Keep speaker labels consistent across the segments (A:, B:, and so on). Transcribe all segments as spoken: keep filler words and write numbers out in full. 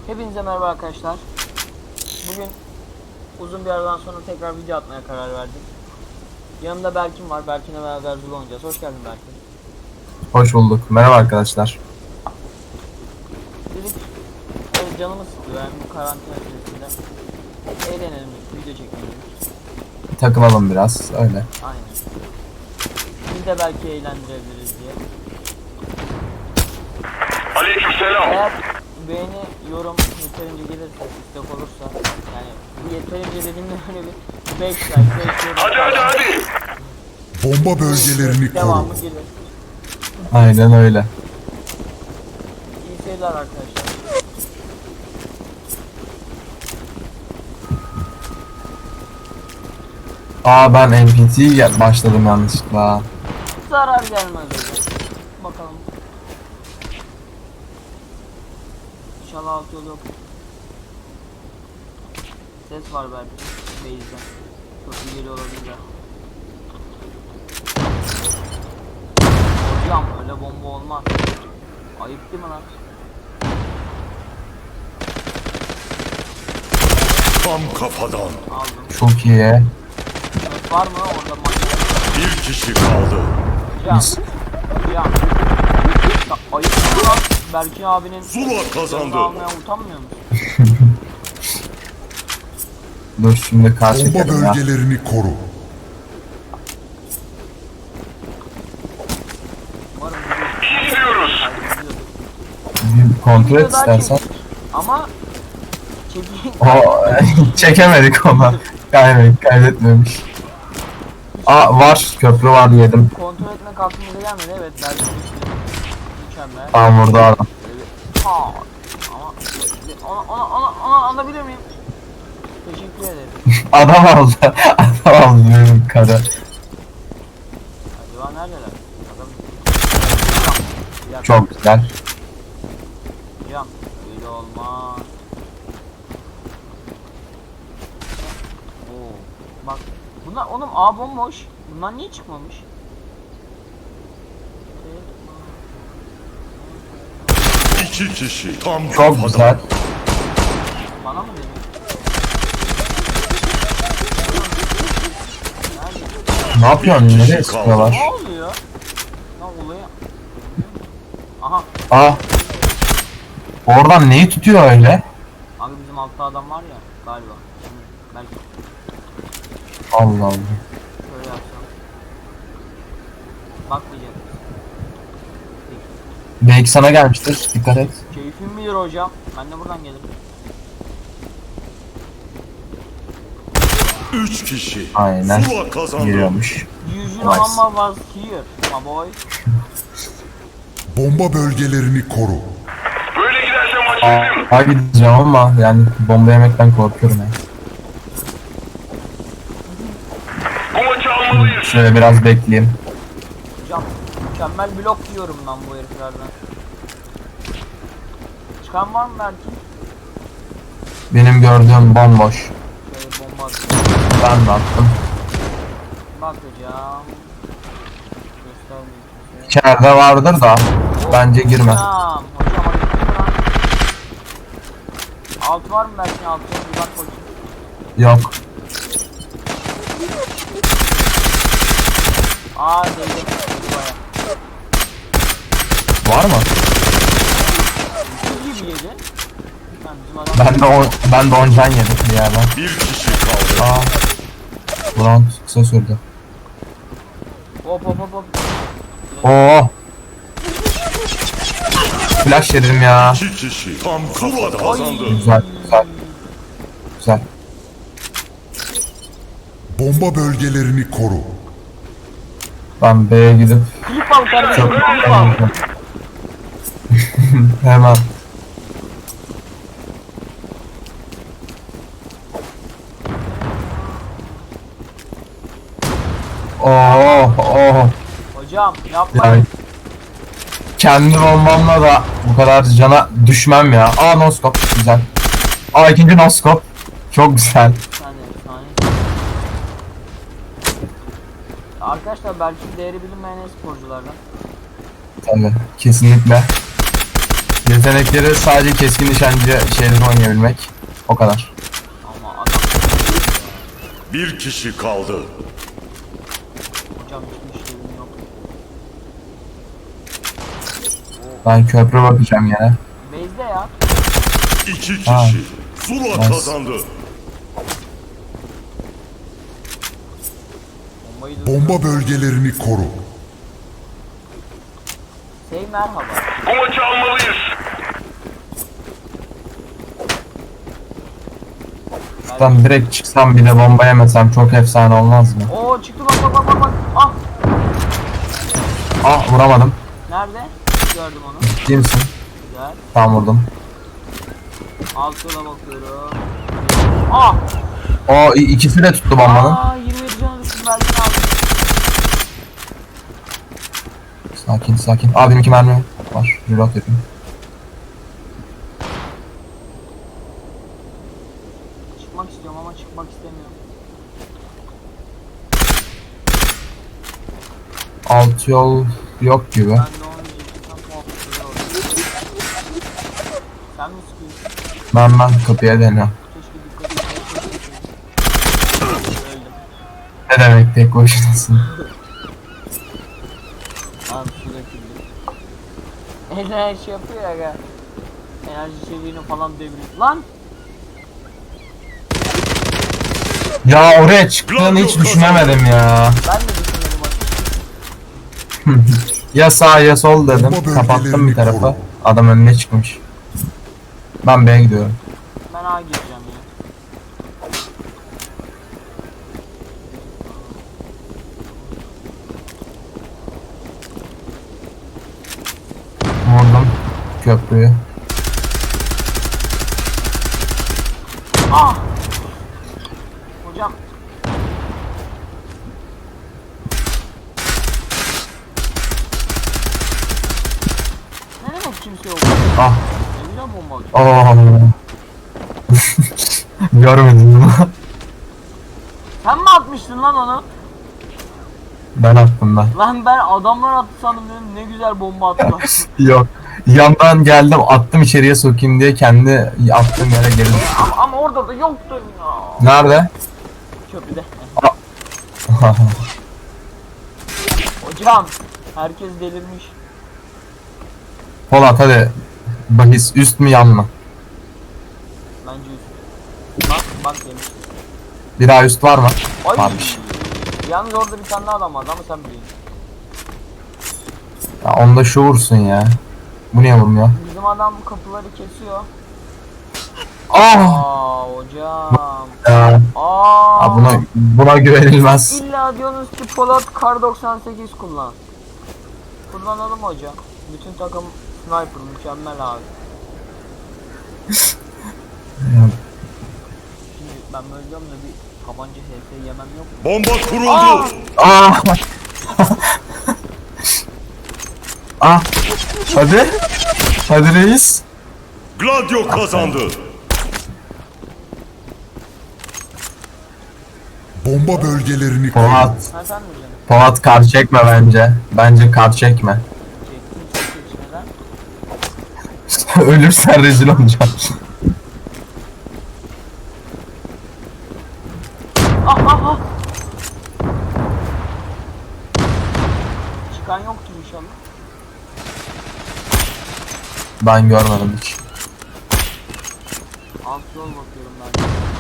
A: Hepinize merhaba arkadaşlar. Bugün uzun bir aradan sonra tekrar video atmaya karar verdim. Yanımda Berkin var. Berkin'le beraber Zula oynayacağız. Hoş geldin Berkin.
B: Hoş bulduk. Merhaba arkadaşlar.
A: Dedik evet, canımız sıkılıyor yani bu karantina süresinde. Eğlenelim, video çekelim.
B: Takılalım biraz öyle.
A: Aynen. Biz de belki eğlendirebiliriz diye.
C: Aleykümselam.
A: Eğer beğeni, yorum yeterince gelirse, istek olursa, yani bu yeterince dediğimde böyle bir beş like, beş yorum.
C: Hadi hadi hadi.
D: Bomba bölgelerini koru.
A: Devamı gelir.
B: Aynen öyle.
A: İyi seyirler arkadaşlar.
B: Aa ben N P T başladım yanlışlıkla.
A: Zarar gelmez hocam. Bakalım. İnşallah alt yol yok. Ses var belki. Base'den. Çok iyi geliyor olabilir. Hocam öyle bomba olmaz. Ayıp değil mi lan?
C: Tam kafadan.
A: Aldım.
B: Çok iyi.
A: Ses var mı orada manyak?
C: Bir kişi kaldı.
A: Hocam.
B: Mis.
A: Hocam. Ya ayıp değil mi lan? Berkin abinin
C: Zula
A: canını
C: kazandı.
A: almaya utanmıyor musun?
B: Dur şimdi kar
D: Bomba
B: çekelim ya.
D: bölgelerini koru.
A: Umarım
C: İyi gidiyoruz.
B: Bir kontrol et istersen.
A: ama çekeyim.
B: O çekemedik ama. Kaymet kaydetmemiş. Aa var köprü var yedim.
A: Kontrol etmek aklımıza gelmedi, evet belki mükemmel.
B: Tamam burada adam.
A: Aa, ama ona, ona, ona, ona alabilir miyim? Teşekkür ederim.
B: Adam aldı. Adam aldı benim karı.
A: Acaba neredeler? Adam... Hocam, bir
B: Çok güzel.
A: Hocam, öyle olmaz. Oo, bak, bunlar oğlum A bomboş. Bunlar niye çıkmamış?
C: İki kişi. Tam
B: Çok
C: kafadan.
B: güzel.
A: Bana mı dedin? Nerede?
B: Ne yapıyorsun? Nereye sıkıyorlar?
A: Ne oluyor? Lan olayı... Aha,
B: Aa. Oradan neyi tutuyor öyle?
A: abi bizim altta adam var ya galiba. Yani belki
B: Allah Allah.
A: şöyle yapsam. Bakmayacak.
B: Belki sana gelmiştir. Dikkat et.
A: Keyfim bilir hocam. Ben de buradan gelirim.
C: Üç kişi.
B: Aynen.
C: Zula kazandı.
B: Giriyormuş.
A: Yüzün
B: Nice.
A: ama was here, my boy.
D: Bomba bölgelerini koru.
C: Böyle giderse maç
B: Aa,
C: bizim.
B: Aa gideceğim ama yani bomba yemekten korkuyorum ya.
C: Bu maçı almalıyız.
B: Şöyle biraz bekleyeyim.
A: Hocam mükemmel blok diyorum ben bu heriflerden. Çıkan var mı belki?
B: Benim gördüğüm bomboş.
A: Şöyle bomba atayım.
B: Ben de attım.
A: Bakacağım. Göstermeyeyim kimseye.
B: İçeride vardır da bence girme.
A: Hocam, hocam hadi gitme lan. Alt var mı belki altı? Bir bak bakayım.
B: Yok.
A: Aa değdim. Baya.
B: Var mı?
A: Çok gibi yedi. Ben bizim adam...
B: Ben de on, ben de on can yedim bir yerden.
C: Bir kişi kaldı.
B: Aa. Ulan kısa sürdü.
A: Hop hop hop hop.
B: Oo. Flash yedim ya.
C: İki kişi. Tam kafadan kazandı.
B: Güzel güzel. Güzel.
D: Bomba bölgelerini koru.
B: Ben B'ye gidip
A: Klip al kardeşim,
B: çok
A: klip al.
B: hemen. Oh oh.
A: Hocam yapma.
B: Yani kendi bombamla da bu kadar cana düşmem ya. Aa noskop güzel. Aa ikinci noskop. Çok güzel.
A: Bir saniye, bir saniye. Arkadaşlar belki değeri bilinmeyen sporculardan.
B: Tabii kesinlikle. Yetenekleri sadece keskin nişancı şeyleri oynayabilmek. O kadar.
A: Ama adam
C: Bir kişi kaldı.
A: hocam hiçbir işlevim yok.
B: Ben köprü bakacağım yine.
A: Base'de ya.
C: İki
B: Ha.
C: kişi. Zula
B: Nice.
C: kazandı.
A: Bombayı da
D: Bomba bölgelerini koru.
A: Şey merhaba.
C: Bu maçı almalıyız.
B: Şuradan direkt çıksam bile bomba yemesem çok efsane olmaz mı?
A: Oo çıktı bak bak bak bak bak. Ah
B: Ah vuramadım.
A: nerede? Gördüm onu.
B: Ciddi misin?
A: Güzel.
B: Tam vurdum.
A: Alt yola bakıyorum. Ah!
B: O i- ikisi de tuttu bombanın.
A: Aa yirmi yedi canı düştüm belki aldım.
B: Sakin sakin. Aa benim iki mermi var. Reload yapayım.
A: Çıkmak istiyorum ama çıkmak istemiyorum.
B: Alt yol yok gibi.
A: Ben de onu diyecektim. Tam muhabbetleri oldu. Sen mi sıkıyorsun?
B: Ben ben kapıya deniyorum.
A: Keşke dikkat etmeyi öldüm.
B: Ne demek tek başınasın?
A: Abi su döküldü. Enerji yapıyor ya ga. Enerji seviyeni falan deviriyor. Lan!
B: Ya oraya çıktığını hiç düşünemedim ya.
A: Ben de düşünmedim açıkçası.
B: Ya sağ ya sol dedim.
D: Bomba
B: Kapattım bir
D: bölgelerini
B: tarafa.
D: koru.
B: Adam önüne çıkmış. Ben B'ye gidiyorum.
A: Ben A gireceğim ya.
B: Vurdum köprüyü.
A: Ah! Hocam. Ne demek kimse yok?
B: Ah.
A: Ne güzel bomba atıyor.
B: Oh. Görmedin mi?
A: Sen mi atmıştın lan onu?
B: Ben attım ben.
A: Lan ben adamlar attı sandım dedim, ne güzel bomba attılar.
B: Yok. Yandan geldim attım içeriye sokayım diye kendi attığım yere geri düştüm.
A: ama, ama orada da yoktu ya.
B: Nerede?
A: Köprüde. Hocam herkes delirmiş.
B: Polat hadi. Bahis üst mü yan mı?
A: Bence üst. Bak bak demiş.
B: Bir daha üst var mı?
A: Ay.
B: Varmış.
A: Yalnız orada bir tane daha adam vardı ama sen biliyorsun.
B: Ya onda şu vursun ya. Bu niye vurmuyor?
A: Bizim adam bu kapıları kesiyor.
B: Ah!
A: Aa hocam.
B: Ya,
A: Aa.
B: ya buna buna güvenilmez.
A: İlla diyorsunuz ki Polat Kar doksan sekiz kullan. Kullanalım hocam. Bütün takım sniper mükemmel abi.
B: Ya,
A: Şimdi ben böyle diyorum da bir tabanca H S yemem yok mu?
C: Bomba kuruldu.
A: Aa!
B: Ah! Ah! Hadi. Hadi reis.
C: Gladio kazandı.
D: Bomba bölgelerini koru.
B: Polat.
A: Ha sen mi canım?
B: Polat kar çekme bence. Bence kar çekme.
A: Çektim çok geçmeden.
B: Ölürsen rezil olacaksın.
A: Ah ah ah! Çıkan yoktur inşallah.
B: Ben görmedim hiç.
A: Alt yol bakıyorum ben.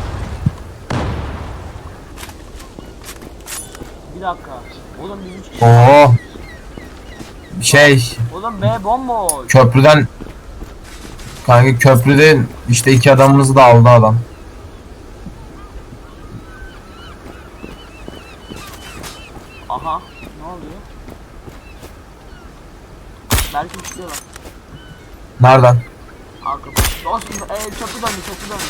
A: Bir dakika. Oğlum biz üç kişi.
B: Oo. Şey,
A: Oğlum B bomboş.
B: köprüden kanka köprüde işte iki adamımızı da aldı adam.
A: Aha. Ne oluyor? Belki uçuyorlar.
B: Nereden?
A: Arka. Dostum eee çöpü döndü çöpü döndü.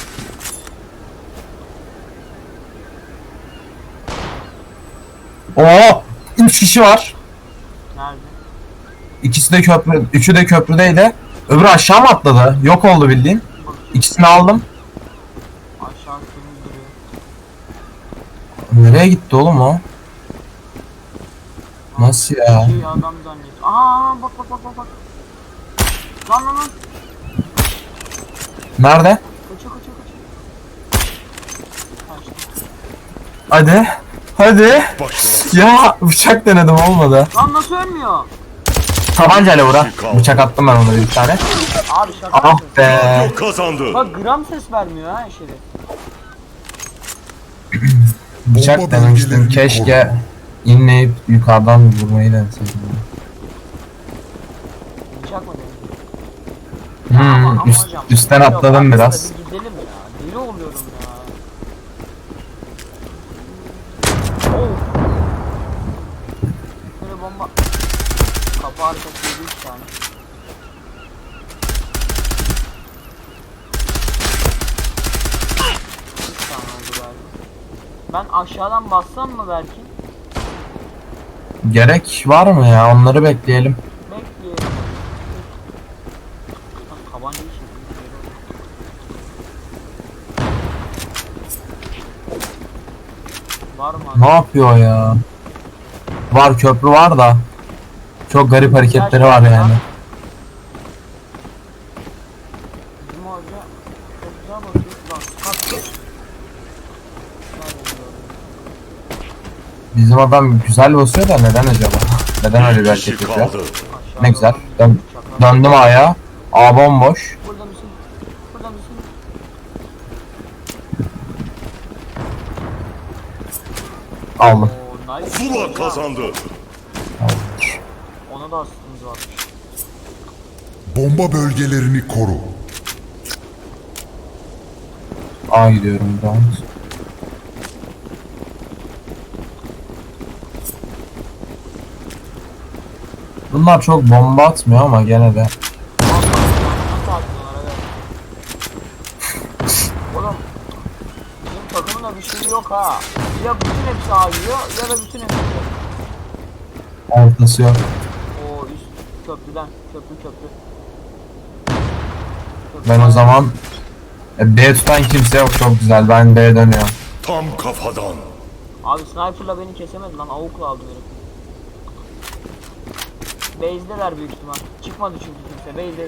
B: Oo! Üç kişi var.
A: Nerede?
B: İkisi de köprü, üçü de köprüdeydi. Öbürü aşağı mı atladı? Yok oldu bildiğin.
A: Bakayım.
B: İkisini aldım.
A: Aşağı temiz duruyor.
B: Nereye gitti oğlum o? Nasıl ya?
A: Şey adam zannet. Aa bak bak bak bak bak. Lan lan lan.
B: Nerede?
A: Kaçıyor kaçıyor kaçıyor. Kaçtı.
B: Hadi. Hadi.
C: Başla.
B: Ya bıçak denedim olmadı.
A: Lan nasıl ölmüyor?
B: Tabancayla vura. Bıçak attım ben ona bir tane.
A: Abi şaka
B: Ah
A: yapıyorsun.
B: be.
C: Gladio kazandı.
A: Bak gram ses vermiyor ha şerif.
B: Bıçak
D: Bomba
B: denemiştim.
D: bölgelerini
B: Keşke
D: koru.
B: inleyip yukarıdan vurmayı deneseydim.
A: Bıçak mı dedim?
B: Hmm, üst, üstten atladım biraz.
A: Bir gidelim ya. Deli oluyorum ya. Oh. Böyle bomba. Kapı arkası yedi üç tane. üç tane oldu galiba. Ben aşağıdan bassam mı belki?
B: Gerek var mı ya? Onları bekleyelim.
A: Bekleyelim. Bak tabanca işi. Var mı?
B: Ne yapıyor ya? Var, köprü var da. Çok garip hareketleri var yani.
A: Bizim hoca çok güzel bakıyor. Bak kalk.
B: Bizim adam güzel basıyor da neden acaba? Neden öyle bir
C: Bir
B: hareket
C: kişi
B: yapıyor?
C: kaldı.
B: Ne güzel. Dön döndüm ayağa. A bomboş.
A: Burada mısın? Burada mısın?
B: Aldım.
A: Oo, nice.
C: Zula
A: Hocam.
C: kazandı.
A: Ona da aslında varmış.
D: Bomba bölgelerini koru.
B: A gidiyorum ben. Bunlar çok bomba atmıyor ama gene de.
A: Nasıl atıyorlar evet. Oğlum bizim takımın da bir şey yok ha. Ya bütün hepsi A giriyor ya da bütün hepsi yok.
B: Ortası yok.
A: Oo üst köprüden köprü köprü.
B: Ben o zaman e, B tutan kimse yok, çok güzel. Ben B'ye dönüyorum.
C: Tam kafadan.
A: Abi sniper'la beni kesemedi lan, avukla aldı beni. Base'deler büyük ihtimal. Çıkmadı çünkü kimse. Base'de.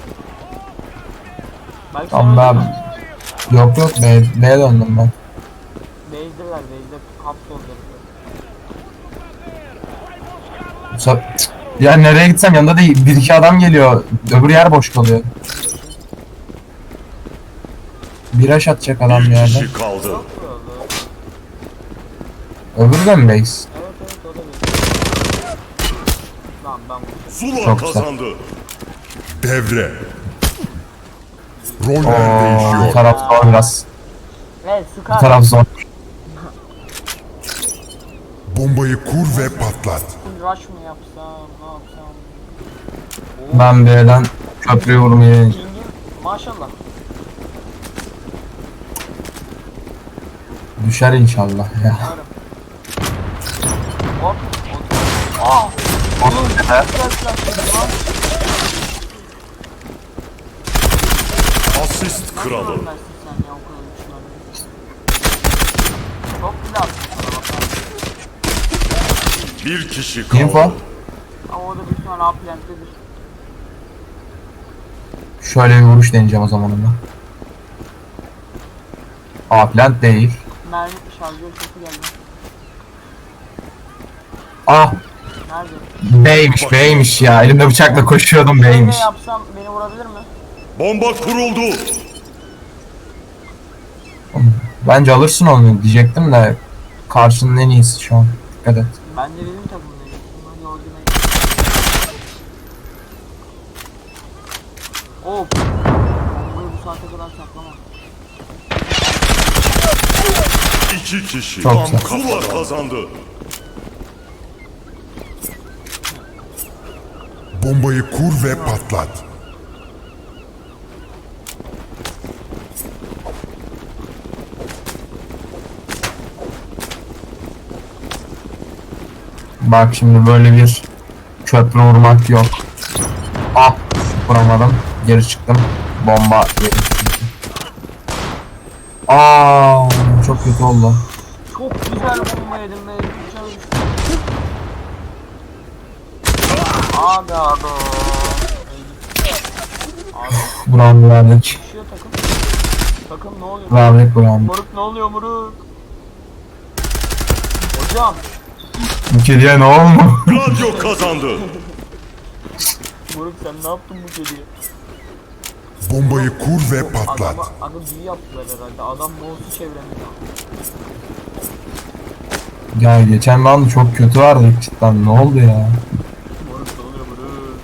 A: Belki
B: Tamam
A: sen öldün
B: ben.
A: mü?
B: Yok yok, B, B'ye döndüm ben.
A: Base'deler, base'de hapsoldu.
B: Bu sef- Cık. Ya nereye gitsem yanında da bir iki adam geliyor. Öbür yer boş kalıyor. Bir aş atacak adam bir
C: Bir
B: yerden.
C: kişi kaldı.
A: Yok öldü.
B: Öbürü de mi base?
A: Evet evet o da base. Lan ben bu
C: Zula
B: Çok güzel.
C: kazandı.
D: Devre. Roller
B: Ooo, bu
D: değişiyor.
B: taraf zor biraz.
A: Evet
B: Bu
A: sıkar.
B: taraf zor.
D: Bombayı kur ve patlat.
A: Full rush mı yapsam, ne yapsam?
B: Ben B'den köprüyü vurmayı.
A: King'im maşallah.
B: Düşer inşallah ya.
A: Hop. Aa. Oğlum güzel flash yedim lan.
C: Asist
A: Nasıl
C: kralı.
A: ölmezsin sen ya o kadar uçlarla? Çok güzel attın sana bak.
C: Bir kişi kaldı.
B: Info.
A: Ama o da büyük ihtimal A-Plant'tedir.
B: Şöyle bir vuruş deneyeceğim o zaman ona. A plant değil.
A: Mermi şarjör sesi geldi.
B: Ah,
A: Nerede?
B: B'ymiş B'ymiş ya. Elimde bıçakla koşuyordum, B'ymiş.
A: Ne yapsam beni vurabilir mi?
C: Bomba kuruldu.
B: Bence alırsın onu diyecektim de karşının en iyisi şu an. Dikkat et.
A: Ben de benim takımdayım. Hadi ordine git. Hop. Bombayı bu saate kadar saklama.
C: İki kişi.
B: Çok
C: Tam
B: güzel.
C: Zula kazandı.
D: Bombayı kur ve patlat.
B: Bak şimdi böyle bir köprü vurmak yok. Ah, vuramadım. Geri çıktım. Bomba yedi. Aa, çok kötü oldu.
A: Çok güzel bomba yedim be. Güzel düştü. Aga be. Abi
B: Buram verdik.
A: düşüyor takım. Takım ne oluyor?
B: Verdik buram.
A: Moruk ne oluyor moruk? Hocam.
B: Bu kediye ne oldu?
C: Gladio kazandı.
A: Moruk sen ne yaptın bu kediye?
D: Bombayı kur ve patlat.
A: Adama, adam büyü yaptılar herhalde. Adam mouse'u çeviremiyor.
B: Ya geçen round çok kötü vardı cidden, ne oldu ya?
A: Moruk ne oluyor moruk?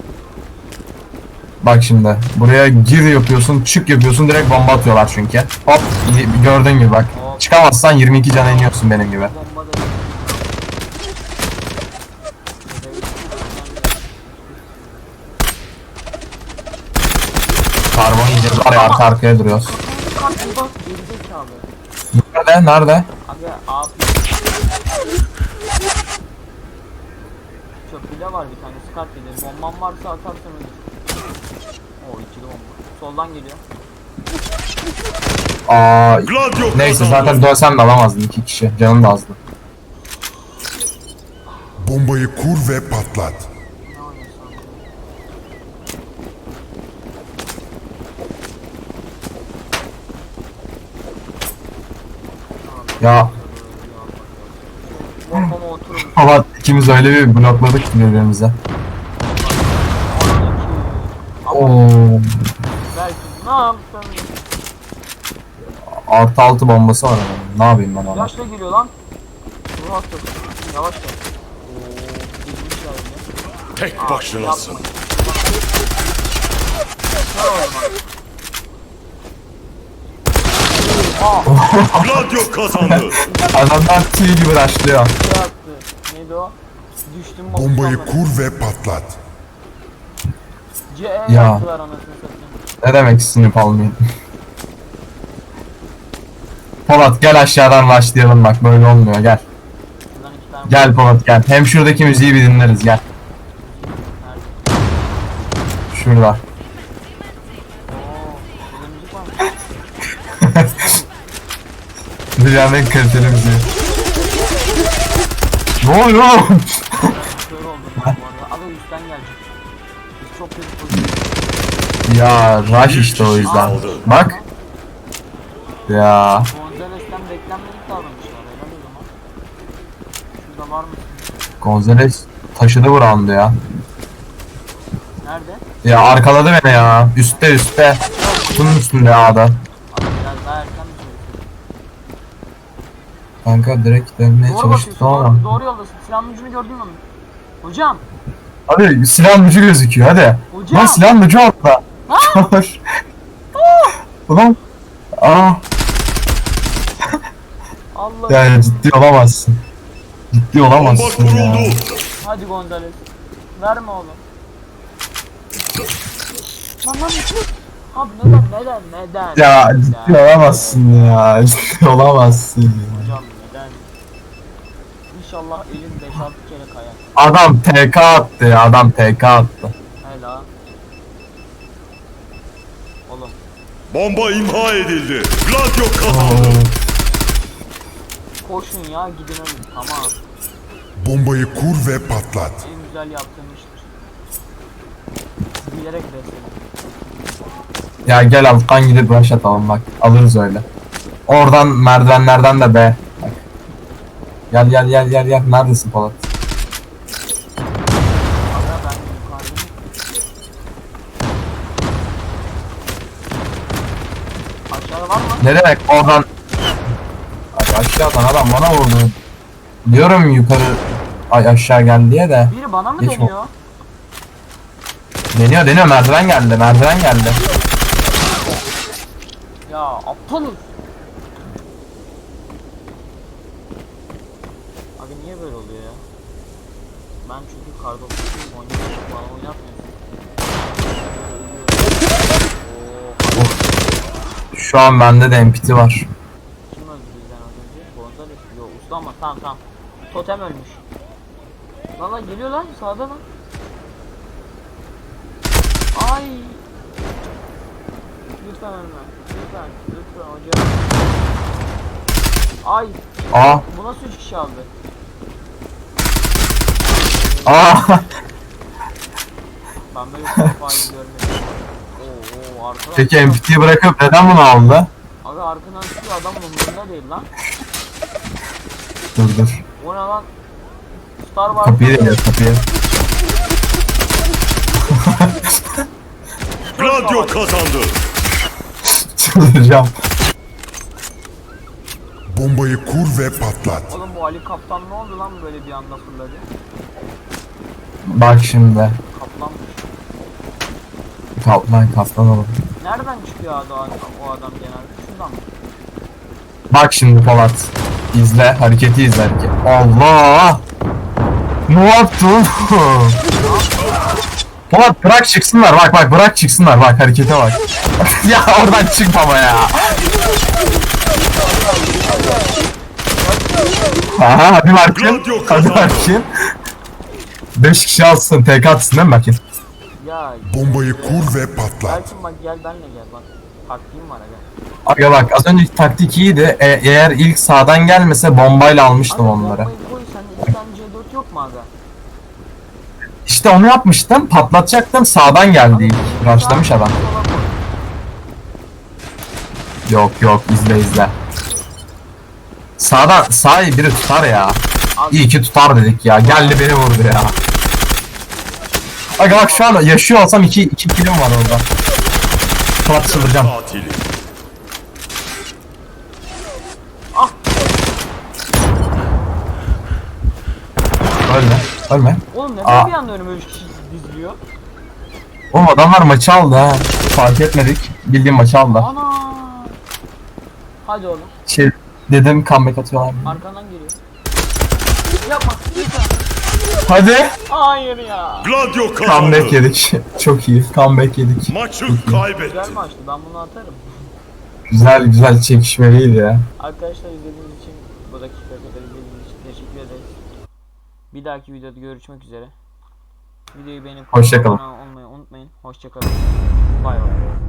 B: Bak şimdi buraya gir yapıyorsun, çık yapıyorsun, direkt bomba atıyorlar çünkü. Hop, y- gördüğün gibi bak. Çıkamazsan yirmi iki cana iniyorsun benim gibi.
A: Bomba da.
B: Karbon yiyeceğiz var ya, arka arkaya duruyoruz.
A: Bak bir bak gerizekalı.
B: Nerede? Nerede?
A: Abi abi. Çöpüyle var bir tane skat gelir. Bomban varsa atarsın ölür. Oo ikili bomba. Soldan geliyor.
B: Aa,
C: Gladio
B: neyse
C: kazandı.
B: zaten dövsem de alamazdım, iki kişi. Canım da azdı.
D: Bombayı kur ve patlat.
A: Ne oynuyorsun?
B: Ya
A: Bombama oturur.
B: baba, ikimiz öyle bir blokladık ki birbirimize. Oo,
A: Belki ne yaptın?
B: artı altı bombası var adamın. Ne yapayım ben ona?
A: Yaşla geliyor lan. Dur hasta. Yavaş gel. Ooo. Girmişler yine.
C: Tek başınasın.
A: Yapma. Kör olma.
C: Gladio kazandı.
B: Adamlar tüy gibi rushlıyor.
A: Şey attı. Neydi o? Düştüm mı?
D: Bombayı kur ve patlat.
A: C E
B: Ya.
A: yaptılar anasını satayım.
B: Ne demek sinip almayayım? Polat gel aşağıdan rushlayalım, bak böyle olmuyor, gel.
A: Şuradan iki tane.
B: Gel Polat gel. Hem şuradaki müziği bir dinleriz, gel.
A: Nerede?
B: Şurada.
A: Oo. Burada müzik var mı?
B: Dünyanın en kaliteli müziği. Ne oluyor oğlum?
A: Kör oldum ben bu arada. Abi üstten gelecek. Biz çok kötü pozisyon.
B: Ya rush işte o yüzden. Bak. Ya.
A: Gonzales'ten beklenmedik davranışlar. Helal o zaman. Şurada var mısın?
B: Gonzales taşıdı bu roundu ya.
A: Nerede?
B: Ya arkaladı beni ya. Üstte üstte. Kutunun üstünde A'da.
A: Abi biraz daha erken mi söylesin?
B: Kanka direkt dönmeye
A: Doğru
B: çalıştık
A: bakıyorsun.
B: ama.
A: Doğru, doğru yoldasın. Silahın ucunu gördün mü? Hocam.
B: Hadi silahın ucu gözüküyor hadi.
A: Hocam.
B: Lan silahın ucu orada. Çabuk. Ulan. Aa.
A: Allah.
B: Yani ciddi olamazsın. Ciddi
C: Bomba
B: olamazsın ya.
C: kuruldu.
A: Hadi Gonzales. Verme oğlum. Lan lan. Abi neden neden neden?
B: Ya ciddi olamazsın ya. Ciddi olamazsın ya.
A: Hocam neden? İnşallah elin beş altı kere kayar.
B: Adam T K attı ya. Adam T K attı.
A: Hela. Oğlum.
C: Bomba imha edildi. Gladio kazandı.
A: Koşun ya gidin ölün. Tamam.
D: Bombayı kur ve patlat.
A: En güzel yaptığım iştir. Bilerek besledim.
B: Ya gel alttan gidip rush atalım bak. Alırız öyle. Oradan merdivenlerden de be. Bak. Gel gel gel gel gel. Neredesin Polat?
A: Aga ben yukarıdayım. Aşağıda var mı?
B: Ne demek oradan? Ay aşağıdan adam bana vurdu. Diyorum yukarı, ay aşağı gel diye de.
A: Biri bana mı
B: Geç
A: deniyor?
B: Deniyor deniyor, merdiven geldi, merdiven geldi.
A: Ya aptalız. Abi niye böyle oluyor ya? Ben çünkü kardokçuyum, oynuyorum, bana oynatmıyorsun. Oo,
B: Şu an bende de M P T var.
A: kim öldü bizden az önce? Gonzales. Yo usta ama tamam tamam. Totem ölmüş. Valla geliyor lan sağda lan. Ay. Lütfen ölme. Lütfen. Lütfen hocam. Ay.
B: Aa,
A: Bu nasıl üç kişi aldı?
B: aa.
A: Ben böyle bir faili görmedim. Oo arkadaş.
B: Peki M P T'yi bırakıp neden bunu aldı?
A: Abi arkadan çıkıyor adam umurunda değil lan.
B: Dur dur.
A: O ne lan? Star Wars.
B: Kapıyı deniyor kapıyı.
C: Gladio kazandı.
B: Çıldıracağım.
D: Bombayı kur ve patlat.
A: Oğlum bu Ali Kaptan ne oldu lan böyle bir anda fırladı?
B: Bak şimdi.
A: Kaplanmış.
B: Kaplan kaplan oğlum.
A: Nereden çıkıyor abi o adam, o adam genelde? Şuradan mı?
B: Bak şimdi Polat. İzle hareketi izle hareket. Allah! Ne yaptın? Polat bırak çıksınlar bak bak bırak çıksınlar bak harekete bak. Ya oradan çık baba ya. Aha hadi Markin. Hadi Markin. beş kişi alsın T K atsın değil mi Markin?
A: Ya
D: Bombayı kur ve patlat.
A: Belki bak gel benle gel bak. Taktiğim var aga.
B: Aga bak az önceki taktik iyiydi. E- eğer ilk sağdan gelmese bombayla almıştım
A: Aga
B: onları.
A: bombayı koy sende iki tane C dört yok mu aga?
B: İşte onu yapmıştım. Patlatacaktım. Sağdan geldi ilk. Rushlamış adam.
A: Sola koy.
B: Yok yok izle izle. Sağdan sağ biri tutar ya.
A: Abi,
B: İyi ki tutar dedik ya. Geldi beni vurdu ya. Aga bak şu an yaşıyor olsam iki, iki kilim var orada. Polat çıldıracağım.
C: Katili.
B: Ölme. Ölme.
A: oğlum neden
B: Aa.
A: bir anda önüme üç kişi diziliyor?
B: Oğlum adamlar maçı aldı ha. Fark etmedik. Bildiğim maçı aldı.
A: Ana. Hadi oğlum.
B: Şey dedim comeback atıyorlar.
A: Arkandan geliyor. Yapma. Lütfen.
B: Hadi.
A: Hayır ya.
C: Gladio
B: Comeback
C: kazandı.
B: yedik. Çok iyi. Comeback yedik.
C: Maçı
A: Güzel
C: kaybetti.
A: maçtı. Ben bunu atarım.
B: Güzel güzel çekişmeliydi ya.
A: Arkadaşlar izlediğiniz için bu dakika kadar izlediğiniz için teşekkür ederiz. Bir dahaki videoda görüşmek üzere. Videoyu beğenip
B: Hoşça kalın.
A: abone olmayı unutmayın. Hoşça kalın. Bay bay.